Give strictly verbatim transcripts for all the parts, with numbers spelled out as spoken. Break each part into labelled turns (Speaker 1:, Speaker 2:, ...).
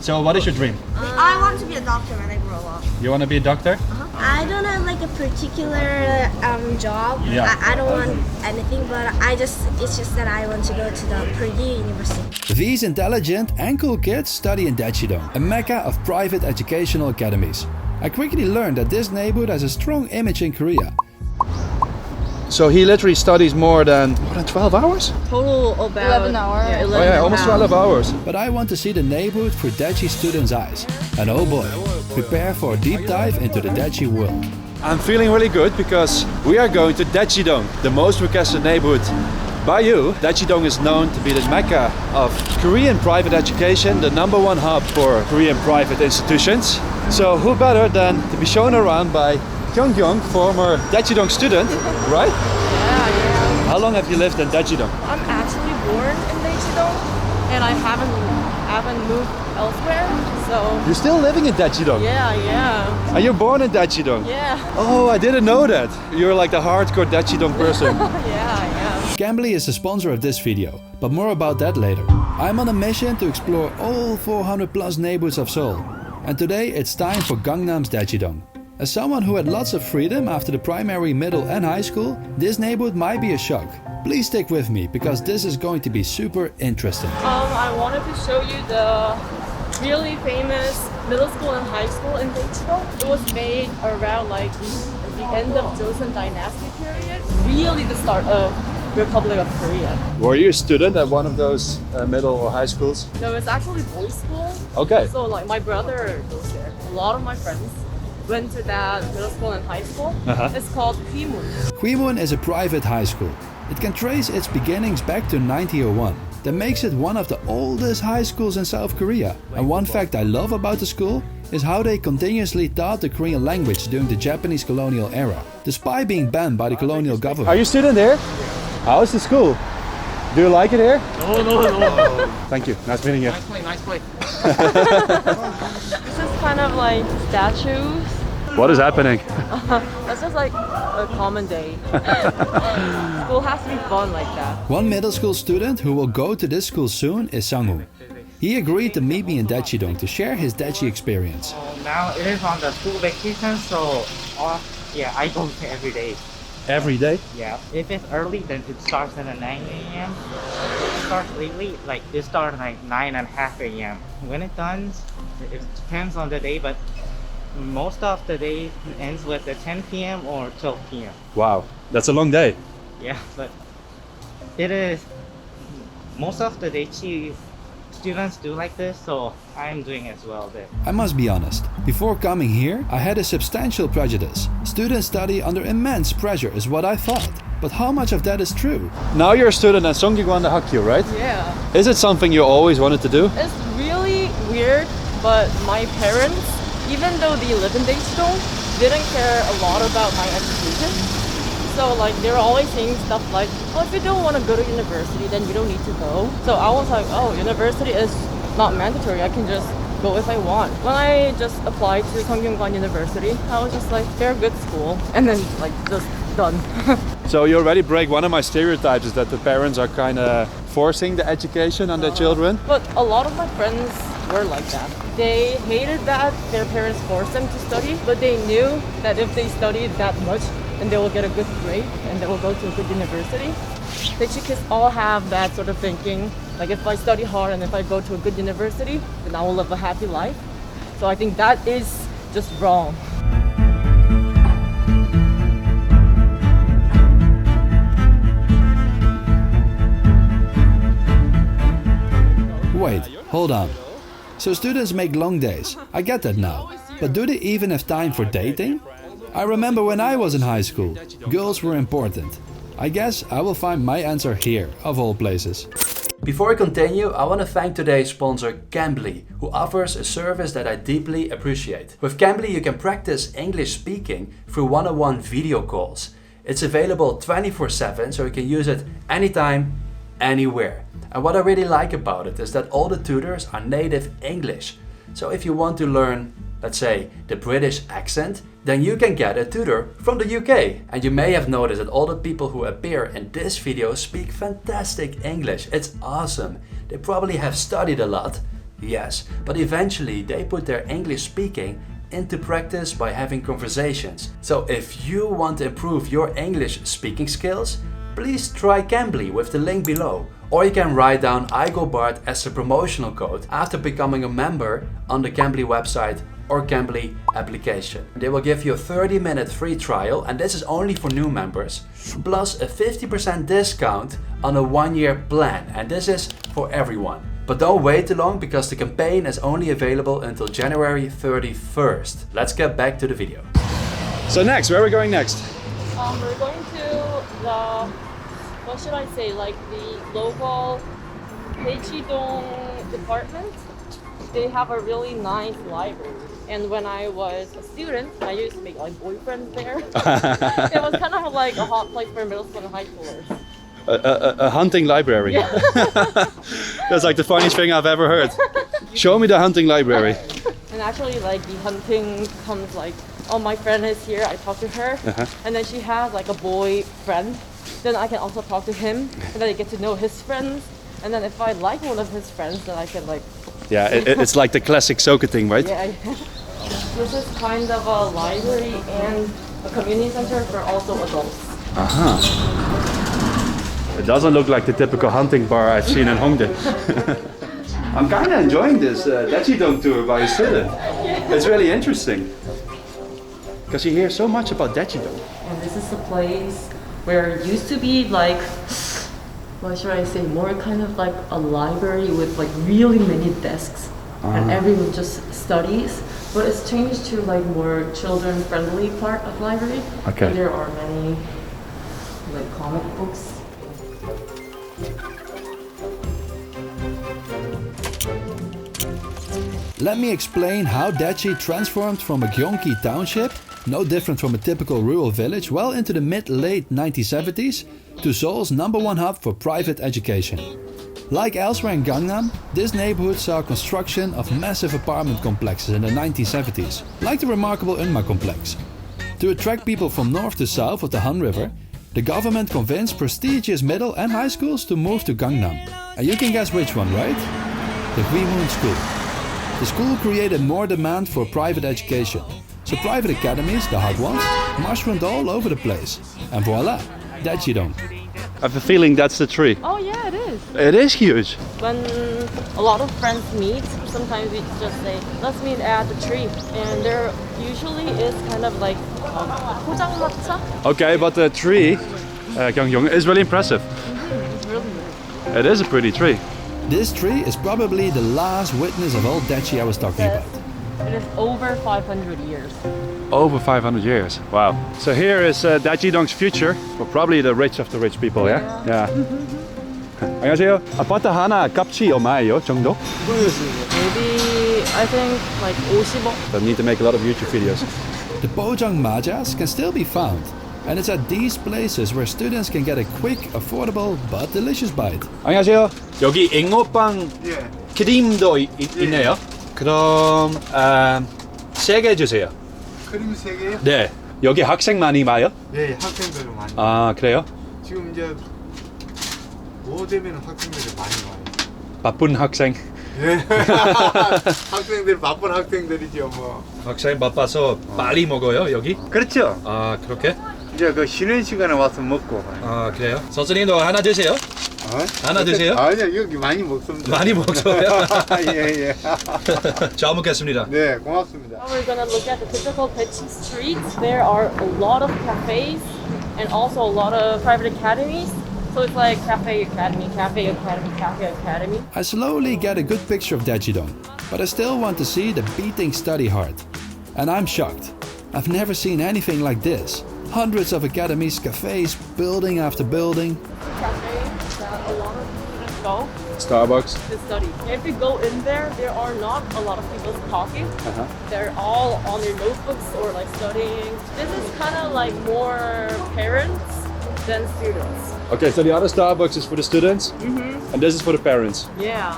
Speaker 1: So what is your dream?
Speaker 2: Uh, I want to be a doctor when I grow up.
Speaker 1: You want to be a doctor?
Speaker 2: Uh-huh. I don't have like a particular um, job.
Speaker 1: Yeah.
Speaker 2: I, I don't want anything, but I just it's just that I want to go to the Purdue University.
Speaker 3: These intelligent and cool kids study in Daechidong, a mecca of private educational academies. I quickly learned that this neighborhood has a strong image in Korea.
Speaker 1: So he literally studies more than more than twelve hours?
Speaker 4: Total about
Speaker 5: eleven hours.
Speaker 4: Yeah, eleven
Speaker 1: Oh yeah, almost twelve hours.
Speaker 3: But I want to see the neighborhood through Daechi students' eyes. And oh boy, prepare for a deep dive into the Daechi world.
Speaker 1: I'm feeling really good because we are going to Daechidong, the most requested neighborhood by you. Daechidong is known to be the mecca of Korean private education, the number one hub for Korean private institutions. So who better than to be shown around by Kyung-kyung, former Daechidong student, right?
Speaker 4: Yeah, yeah.
Speaker 1: How long have you lived in Daechidong?
Speaker 4: I'm actually born in Daechidong, and I haven't haven't moved elsewhere. So
Speaker 1: You're still living in Daechidong?
Speaker 4: yeah, yeah,
Speaker 1: And you're born in Daechidong?
Speaker 4: yeah,
Speaker 1: Oh, I didn't know that. You're like the hardcore Daechidong person.
Speaker 4: yeah, yeah.
Speaker 3: Cambly is the sponsor of this video, but more about that later. I'm on a mission to explore all four hundred plus neighborhoods of Seoul. And today it's time for Gangnam's Daechidong. As someone who had lots of freedom after the primary, middle and high school, this neighborhood might be a shock. Please stick with me because this is going to be super interesting.
Speaker 4: Um, I wanted to show you the really famous middle school and high school in Daechidong. It was made around like the end of Joseon Dynasty period. Really the start of Republic of Korea.
Speaker 1: Were you a student at one of those uh, middle or high schools?
Speaker 4: No, it's actually boys' school.
Speaker 1: Okay.
Speaker 4: So like my brother goes there. A lot of my friends went to that middle school and high school.
Speaker 1: Uh-huh.
Speaker 4: It's called Hwimun.
Speaker 3: Hwimun is a private high school. It can trace its beginnings back to nineteen oh one. That makes it one of the oldest high schools in South Korea. And one fact I love about the school is how they continuously taught the Korean language during the Japanese colonial era, despite being banned by the colonial government.
Speaker 1: Are you a student here? How's the school? Do you like it here?
Speaker 6: No, no, no.
Speaker 1: Thank you. Nice meeting you.
Speaker 6: Nice play, nice play.
Speaker 4: This is kind of like statues.
Speaker 1: What is happening?
Speaker 4: That's just like a common day. School has to be fun like that.
Speaker 3: One middle school student who will go to this school soon is Sang-woo. He agreed to meet me in Daechidong to share his Daechi experience.
Speaker 6: Now it is on the school vacation, so uh, yeah, I go to every day.
Speaker 1: Every day?
Speaker 6: Yeah. If it's early, then it starts at nine a m It starts lately, like it starts like nine and a half a m When it done, it depends on the day, but most of the day ends with the ten p m or twelve p m
Speaker 1: Wow, that's a long day.
Speaker 6: Yeah, but it is most of the day. Chi students do like this, so I'm doing as well there.
Speaker 3: I must be honest, before coming here, I had a substantial prejudice. Students study under immense pressure is what I thought. But how much of that is true?
Speaker 1: Now you're a student at Songgyekwon Hakgyu, right?
Speaker 4: Yeah.
Speaker 1: Is it something you always wanted to do?
Speaker 4: It's really weird, but my parents, even though they live in Daechidong, didn't care a lot about my education. So like they were always saying stuff like, oh, if you don't want to go to university, then you don't need to go. So I was like, oh, university is not mandatory. I can just go if I want. When I just applied to Songgyekwon University, I was just like, they're a good school. And then like just done.
Speaker 1: So you already break one of my stereotypes is that the parents are kind of forcing the education on their children.
Speaker 4: But a lot of my friends were like that. They hated that their parents forced them to study, but they knew that if they studied that much, then they will get a good grade and they will go to a good university. Daechi kids all have that sort of thinking, like if I study hard and if I go to a good university, then I will live a happy life. So I think that is just wrong.
Speaker 3: Wait, hold on. So students make long days, I get that now. But do they even have time for dating? I remember when I was in high school, girls were important. I guess I will find my answer here, of all places. Before I continue, I want to thank today's sponsor Cambly, who offers a service that I deeply appreciate. With Cambly you can practice English speaking through one-on-one video calls. It's available twenty-four seven, so you can use it anytime, anywhere. And what I really like about it is that all the tutors are native English. So if you want to learn, let's say, the British accent, then you can get a tutor from the U K. And you may have noticed that all the people who appear in this video speak fantastic English. It's awesome. They probably have studied a lot, Yes, but eventually they put their English speaking into practice by having conversations. So if you want to improve your English speaking skills, please try Cambly with the link below. Or you can write down iGoBart as a promotional code after becoming a member on the Cambly website or Cambly application. They will give you a thirty minute free trial, and this is only for new members, plus a fifty percent discount on a one year plan, and this is for everyone. But don't wait too long because the campaign is only available until January thirty-first. Let's get back to the video.
Speaker 1: So next, where are we going next?
Speaker 4: Um, we're going to the, what should I say, like the local Daechidong department. They have a really nice library. And when I was a student, I used to make like boyfriends there. It was kind of like a hot place for middle school and high schoolers.
Speaker 1: A, a, a hunting library.
Speaker 4: Yeah.
Speaker 1: That's like the funniest thing I've ever heard. Show me the hunting library.
Speaker 4: And actually, like the hunting comes like, oh, my friend is here. I talk to her,
Speaker 1: Uh-huh.
Speaker 4: and then she has like a boy friend. Then I can also talk to him, and then I get to know his friends. And then if I like one of his friends, then I can like.
Speaker 1: Yeah, it, it's like the classic Soka thing, right?
Speaker 4: Yeah. This is kind of a library and a community center for also adults.
Speaker 1: Uh-huh. It doesn't look like the typical hunting bar I've seen in Hongdae. I'm kind of enjoying this uh, Daechidong tour by a student. It's really interesting. Because you hear so much about Daechidong.
Speaker 4: And this is the place where it used to be like, what should I say, more kind of like a library with like really many desks. And everyone just studies. But it's changed to like more children-friendly part of library.
Speaker 1: Okay.
Speaker 4: And there are many like comic books.
Speaker 3: Let me explain how Daechi transformed from a Gyeonggi township, no different from a typical rural village, well into the mid-late nineteen seventies, to Seoul's number one hub for private education. Like elsewhere in Gangnam, this neighborhood saw construction of massive apartment complexes in the nineteen seventies, like the remarkable Eunma complex. To attract people from north to south of the Han River, the government convinced prestigious middle and high schools to move to Gangnam. And you can guess which one, right? The Gwimun School. The school created more demand for private education, so private academies, the hot ones, mushroomed all over the place. And voila, Daechidong.
Speaker 1: I have a feeling that's the tree.
Speaker 4: Oh yeah, it is.
Speaker 1: It is huge.
Speaker 4: When a lot of friends meet, sometimes we just say, let's meet at the tree. And there usually is kind of like um, 포장마차.
Speaker 1: Okay, but the tree, uh, Gyeongyong, is really impressive.
Speaker 4: Mm-hmm. It's really nice.
Speaker 1: It is a pretty tree.
Speaker 3: This tree is probably the last witness of old Daechi I was talking about.
Speaker 4: It is over five hundred years.
Speaker 1: Over five hundred years. Wow. So here is uh, Daechidong's future. Well, probably the rich of the rich people, yeah? Yeah. 안녕하세요. 아파트 하나 값이 얼마예요, 정도?
Speaker 4: Maybe, I think like 오십억.
Speaker 1: Don't need to make a lot of YouTube videos.
Speaker 3: The Pojang Majas can still be found, and it's at these places where students can get a quick, affordable, but delicious bite.
Speaker 1: 안녕하세요. 여기 잉어빵
Speaker 5: 예.
Speaker 1: 크림도 이, 이, 있네요. 그럼 아, 세 개 주세요.
Speaker 5: 크림 세 개요?
Speaker 1: 네. 여기 학생 많이 와요?
Speaker 5: 예, 학생들 많이.
Speaker 1: 아, 그래요?
Speaker 5: 지금 이제 뭐 되면 학생들이 많이 와요.
Speaker 1: 바쁜 학생.
Speaker 5: 예. 학생들 바쁜 학생들이죠, 뭐.
Speaker 1: 학생 바빠서 빨리 먹어요, 여기?
Speaker 5: 그렇죠.
Speaker 1: 아, 그렇게?
Speaker 5: 이제 그 쉬는 시간에 와서 먹고.
Speaker 1: 아, 그래요? 선생님도 하나 드세요?
Speaker 5: 어?
Speaker 1: 하나 드세요?
Speaker 5: 아니요, 여기 많이 먹습니다.
Speaker 1: 많이 먹어요.
Speaker 5: 예, 예.
Speaker 1: 잘 먹겠습니다.
Speaker 5: 네, 고맙습니다.
Speaker 4: Now we're gonna look at the typical Daechi streets. There are a lot of cafes and also a lot of private academies. So it's like cafe academy, cafe academy, cafe academy.
Speaker 3: I slowly get a good picture of Daechidong, but I still want to see the beating study hard. And I'm shocked. I've never seen anything like this. Hundreds of academies, cafes, building after building.
Speaker 4: Cafe that a lot of students go
Speaker 1: Starbucks.
Speaker 4: to study. If you go in there, there are not a lot of people talking.
Speaker 1: Uh-huh.
Speaker 4: They're all on their notebooks or like studying. This is kind of like more parents than students.
Speaker 1: Okay, so the other Starbucks is for the students,
Speaker 4: Mm-hmm.
Speaker 1: and this is for the parents.
Speaker 4: Yeah.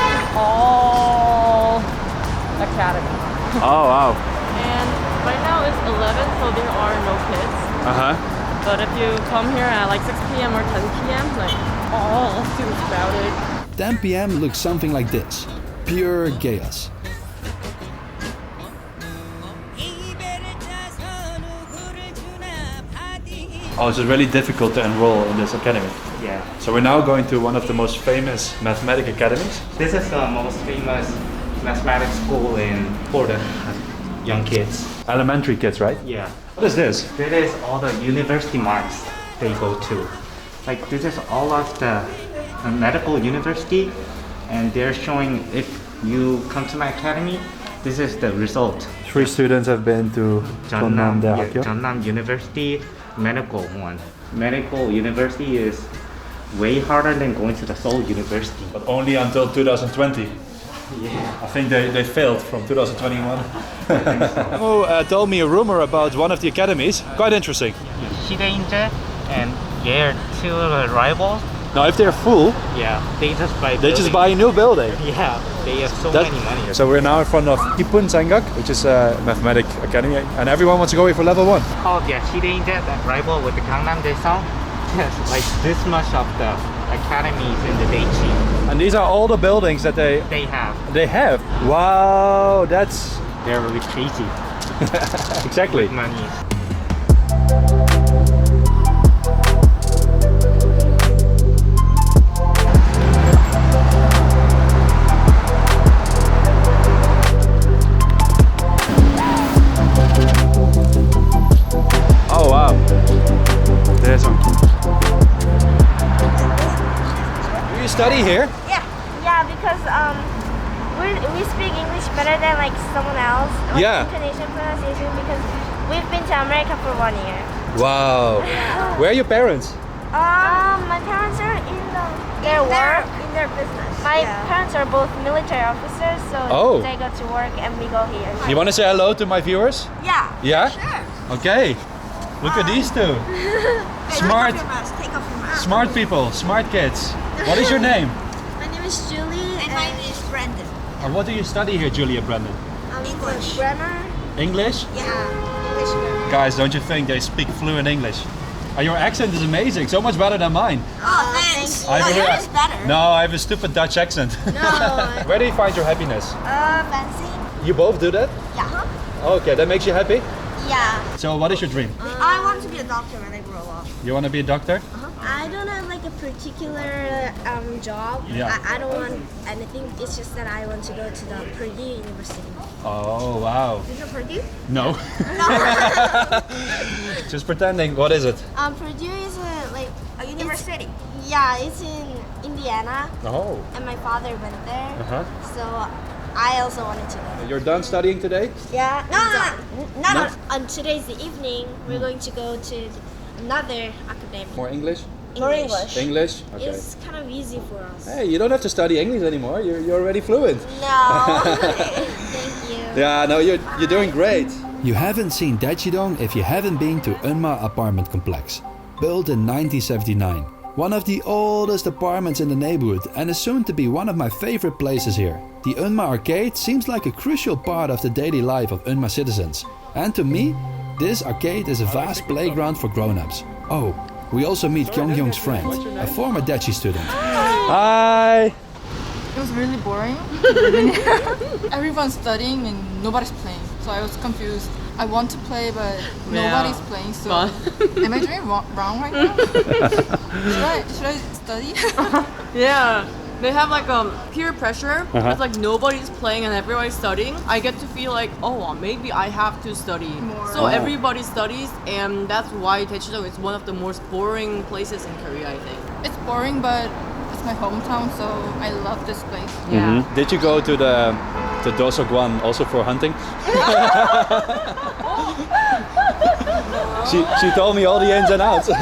Speaker 4: All academy.
Speaker 1: Oh, wow.
Speaker 4: And right now it's eleven, so there are no kids.
Speaker 1: Uh-huh.
Speaker 4: But if you come here at like six p m or ten p m, like all students crowded.
Speaker 3: ten p m looks something like this. Pure chaos.
Speaker 1: Oh, it's really difficult to enroll in this academy.
Speaker 6: Yeah.
Speaker 1: So we're now going to one of the most famous mathematics academies.
Speaker 6: This is the most famous mathematics school in for the young kids.
Speaker 1: Elementary kids, right?
Speaker 6: Yeah.
Speaker 1: What is this?
Speaker 6: That is all the university marks they go to. Like this is all of the uh, medical university, and they're showing if you come to my academy, this is the result.
Speaker 1: Three students have been to
Speaker 6: Jeonnam, yeah,
Speaker 1: Jeonnam
Speaker 6: Jeonnam University medical one. Medical university is way harder than going to the Seoul University.
Speaker 1: But only until two thousand twenty.
Speaker 6: Yeah.
Speaker 1: I think they, they failed from two thousand twenty-one. Emo uh, told me a rumor about one of the academies. Quite interesting.
Speaker 6: Shideinje and Yale, two rivals.
Speaker 1: Now, if they're full,
Speaker 6: Yeah, they just buy.
Speaker 1: they just
Speaker 6: buildings.
Speaker 1: buy a new building.
Speaker 6: Yeah, they have so
Speaker 1: That-
Speaker 6: many money.
Speaker 1: So we're now in front of Ipun Sangak, which is a mathematics academy, and everyone wants to go here for level one.
Speaker 6: Oh yeah, Shideinje, that rival with the Gangnam Daesung. Yes, like this much of the academies in the Daichi
Speaker 1: And these are all the buildings that they
Speaker 6: they have.
Speaker 1: they have. Wow, that's
Speaker 6: They're really crazy
Speaker 1: exactly.
Speaker 6: money.
Speaker 1: Oh wow. There's some. Do you study here?
Speaker 2: Yeah, yeah, because um, we we speak English better than like someone else. Like
Speaker 1: Yeah.
Speaker 2: Intonation, pronunciation, because we've been to America for one year.
Speaker 1: Wow. Where are your parents?
Speaker 2: Um, my parents are in the, their work, in their business. My parents are both military officers, so
Speaker 1: Oh.
Speaker 2: they go to work and we go here.
Speaker 1: You want to say hello to my viewers?
Speaker 2: Yeah.
Speaker 1: Yeah?
Speaker 2: Sure.
Speaker 1: Okay. Look at these two. Smart,
Speaker 2: Take off your mask.
Speaker 1: smart people, smart kids. What is your name?
Speaker 2: My name is Julie. And my name is Brandon.
Speaker 1: And what do you study here, Julia Brandon?
Speaker 2: Um, English. Grammar?
Speaker 1: English?
Speaker 2: Yeah. English grammar.
Speaker 1: Guys, don't you think they speak fluent English? And your accent is amazing, so much better than mine.
Speaker 2: Oh, thanks.
Speaker 1: I have a-
Speaker 2: yours is better.
Speaker 1: No, I have a stupid Dutch accent.
Speaker 2: No.
Speaker 1: Where do you find your happiness?
Speaker 2: Uh, fancy?
Speaker 1: You both do that?
Speaker 2: Yeah.
Speaker 1: Okay, that makes you happy?
Speaker 2: Yeah.
Speaker 1: So what is your dream?
Speaker 2: I want to be a doctor when I grow up.
Speaker 1: You want to be a doctor?
Speaker 2: I don't have like a particular um, job.
Speaker 1: Yeah.
Speaker 2: I, I don't want anything. It's just that I want to go to the Purdue University.
Speaker 1: Oh, wow.
Speaker 2: Is it Purdue?
Speaker 1: No.
Speaker 2: No.
Speaker 1: Just pretending. What is it?
Speaker 2: um, Purdue is a like a university. Yeah, it's in Indiana,
Speaker 1: Oh.
Speaker 2: and my father went there,
Speaker 1: Uh-huh.
Speaker 2: so I also wanted to go.
Speaker 1: You're done studying today?
Speaker 2: Yeah. No, no, no. Not
Speaker 1: No?
Speaker 2: on, on today's the evening. We're going to go to another academy.
Speaker 1: More English?
Speaker 2: More English.
Speaker 1: English? Okay.
Speaker 2: It's kind of easy for us.
Speaker 1: Hey, you don't have to study English anymore. You're, you're already fluent.
Speaker 2: No. Thank you.
Speaker 1: Yeah, no, you're, you're doing great.
Speaker 3: You haven't seen Dachidong if you haven't been to Eunma Apartment Complex. Built in nineteen seventy-nine. One of the oldest apartments in the neighborhood and is soon to be one of my favorite places here. The Eunma Arcade seems like a crucial part of the daily life of Eunma citizens. And to me, this arcade is a vast playground for grown-ups. Oh, we also meet Kyunghyung's friend, a former Dachi student.
Speaker 1: Hi.
Speaker 7: It was really boring. Everyone's studying and nobody's playing. So I was confused. I want to play, but nobody's playing. So am I doing wrong, wrong right now? should I should I study?
Speaker 4: Yeah. They have like um peer pressure.
Speaker 1: Uh-huh.
Speaker 4: It's like nobody's playing and everybody's studying. I get to feel like, oh, maybe I have to study.
Speaker 7: More.
Speaker 4: So
Speaker 1: Oh.
Speaker 4: everybody studies, and that's why Daechidong is one of the most boring places in Korea, I think.
Speaker 7: It's boring, but it's my hometown, so I love this place.
Speaker 4: Yeah.
Speaker 1: Did you go to the the Dosokwan also for hunting? she she told me all the ins and outs.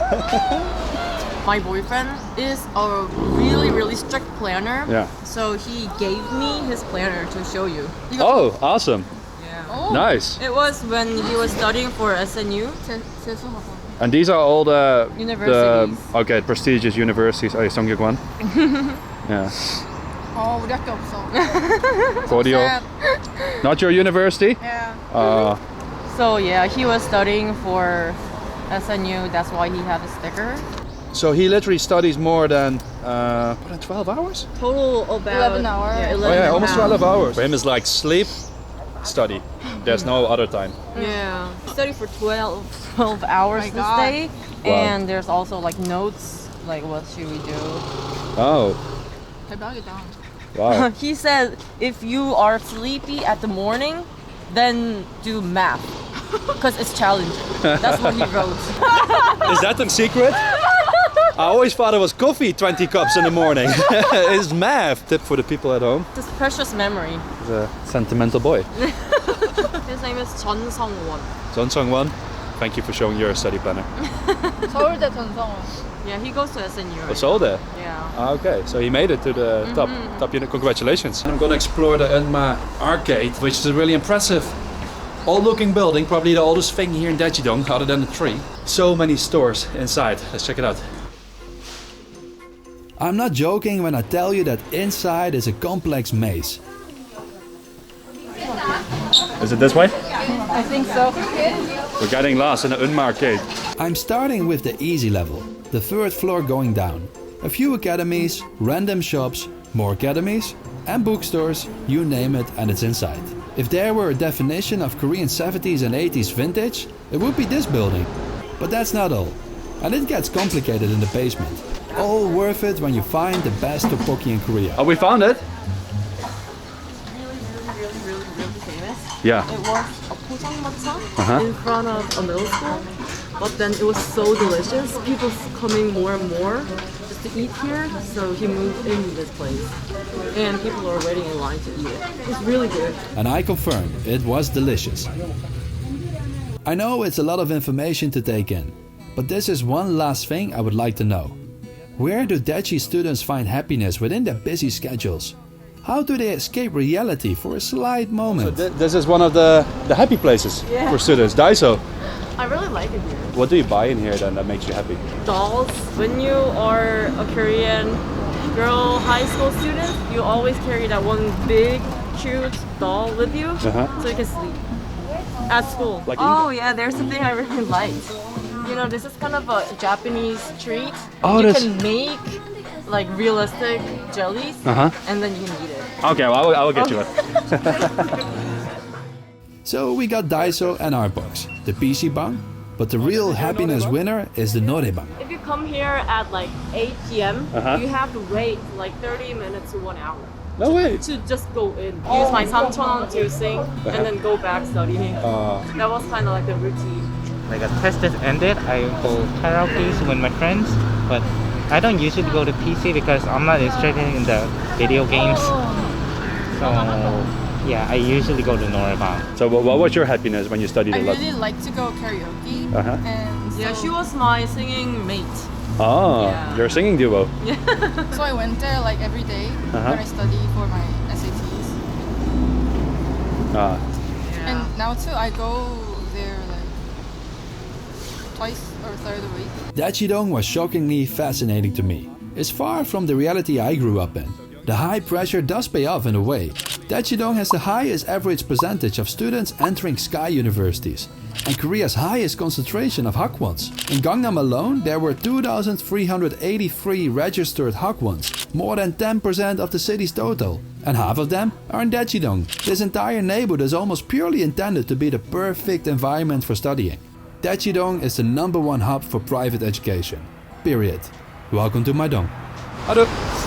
Speaker 4: My boyfriend is a really, really strict planner.
Speaker 1: Yeah.
Speaker 4: So he gave me his planner to show you.
Speaker 1: Oh, awesome.
Speaker 4: Yeah.
Speaker 7: Oh,
Speaker 1: Nice.
Speaker 4: It was when he was studying for S N U.
Speaker 7: 재- 재수학원.
Speaker 1: And these are all the
Speaker 4: Universities.
Speaker 1: The, okay, prestigious universities. Oh, Songyukwan. Yeah.
Speaker 7: 어, 우리 학교 없어.
Speaker 1: Kodio.
Speaker 7: Sad.
Speaker 1: Not your university?
Speaker 7: Yeah.
Speaker 1: Uh,
Speaker 4: So yeah, he was studying for S N U. That's why he had a sticker.
Speaker 1: So he literally studies more than uh, more than twelve hours.
Speaker 4: Total about
Speaker 7: eleven hours.
Speaker 4: Yeah,
Speaker 1: Oh
Speaker 4: eleven
Speaker 1: yeah,
Speaker 4: and a
Speaker 1: almost
Speaker 4: half.
Speaker 1: twelve hours. For him, it's like sleep, study. There's no other time.
Speaker 4: Yeah, study for twelve, twelve hours
Speaker 7: my
Speaker 4: this
Speaker 7: God.
Speaker 4: day,
Speaker 1: Wow.
Speaker 4: and there's also like notes, like what should we do.
Speaker 1: Oh,
Speaker 7: 대박이다.
Speaker 1: wow.
Speaker 4: He said if you are sleepy at the morning, then do math, because it's challenging. That's what he wrote.
Speaker 1: Is that the secret? I always thought it was coffee, twenty cups in the morning. It's math. Tip for the people at home.
Speaker 4: This precious memory.
Speaker 1: He's a sentimental boy.
Speaker 4: His name is Chun Sung-won.
Speaker 1: John Sung-won, thank you for showing your study planner.
Speaker 7: 서울대 전성원.
Speaker 4: Yeah, he goes to S N U.
Speaker 1: It's all there.
Speaker 4: Yeah.
Speaker 1: Ah, okay, so he made it to the top top unit. Congratulations. I'm gonna explore the Unma arcade, which is a really impressive old-looking building, probably the oldest thing here in Daejeon, other than the tree. So many stores inside. Let's check it out.
Speaker 3: I'm not joking when I tell you that inside is a complex maze.
Speaker 1: Is it this way?
Speaker 7: I think so.
Speaker 1: We're getting lost in the Unma arcade.
Speaker 3: I'm starting with the easy level, the third floor going down. A few academies, random shops, more academies, and bookstores, you name it, and it's inside. If there were a definition of Korean seventies and eighties vintage, it would be this building. But that's not all. And it gets complicated in the basement. All worth it when you find the best tteokbokki in Korea.
Speaker 1: Oh, we found it?
Speaker 4: Really, really, really, really, really famous.
Speaker 1: Yeah.
Speaker 4: It was a pochangmatcha
Speaker 1: Uh-huh.
Speaker 4: in front of a middle school, but then it was so delicious. People coming more and more just to eat here, so he moved into this place, and people are waiting in line to eat it. It's really good.
Speaker 3: And I confirm, it was delicious. I know it's a lot of information to take in, but this is one last thing I would like to know. Where do Daeji students find happiness within their busy schedules? How do they escape reality for a slight
Speaker 1: So
Speaker 3: moment?
Speaker 1: th- this is one of the, the happy places
Speaker 4: Yeah.
Speaker 1: for students, Daiso.
Speaker 4: I really like it here.
Speaker 1: What do you buy in here then that makes you happy?
Speaker 4: Dolls. When you are a Korean girl high school student, you always carry that one big, cute doll with you,
Speaker 1: Uh-huh.
Speaker 4: so you can sleep at school.
Speaker 1: Like
Speaker 4: oh yeah, there's something I really liked. You know, this is kind of a Japanese treat.
Speaker 1: Oh,
Speaker 4: you
Speaker 1: that's-
Speaker 4: can make like realistic jellies,
Speaker 1: Uh-huh.
Speaker 4: and then you can eat it.
Speaker 1: Okay, well, I will, I will get you it.
Speaker 3: So we got Daiso and our box, the P C bang, but the real happiness winner is the Norebang.
Speaker 4: If you come here at like eight p m,
Speaker 1: Uh-huh.
Speaker 4: you have to wait like thirty minutes to one hour.
Speaker 1: No way.
Speaker 4: To just go in, use my samcheon to sing, and then go back studying.
Speaker 1: Uh,
Speaker 4: That was kind of like the routine.
Speaker 6: Like a test is ended, I go karaoke with my friends, but I don't usually go to P C because I'm not interested in the video games. So yeah, I usually go to Norebang.
Speaker 1: so what, what was your happiness when you studied
Speaker 7: I
Speaker 1: a lot?
Speaker 7: really like to go karaoke,
Speaker 1: Uh-huh.
Speaker 7: and so,
Speaker 4: Yeah, she was my singing mate.
Speaker 1: Oh,
Speaker 4: Yeah.
Speaker 1: you're a singing duo.
Speaker 7: so I went there like every day
Speaker 1: Uh-huh.
Speaker 7: when I study for my S A Ts.
Speaker 1: Ah,
Speaker 7: And now too, I go there like twice or third a week.
Speaker 3: Daejeon was shockingly fascinating to me. It's far from the reality I grew up in. The high pressure does pay off in a way. Daejeon has the highest average percentage of students entering Sky universities and Korea's highest concentration of Hakwons. In Gangnam alone, there were two thousand three hundred eighty-three registered Hakwons, more than ten percent of the city's total. And half of them are in Daejeon. This entire neighborhood is almost purely intended to be the perfect environment for studying. Daejeon is the number one hub for private education. Period. Welcome to my dong.
Speaker 1: Ado.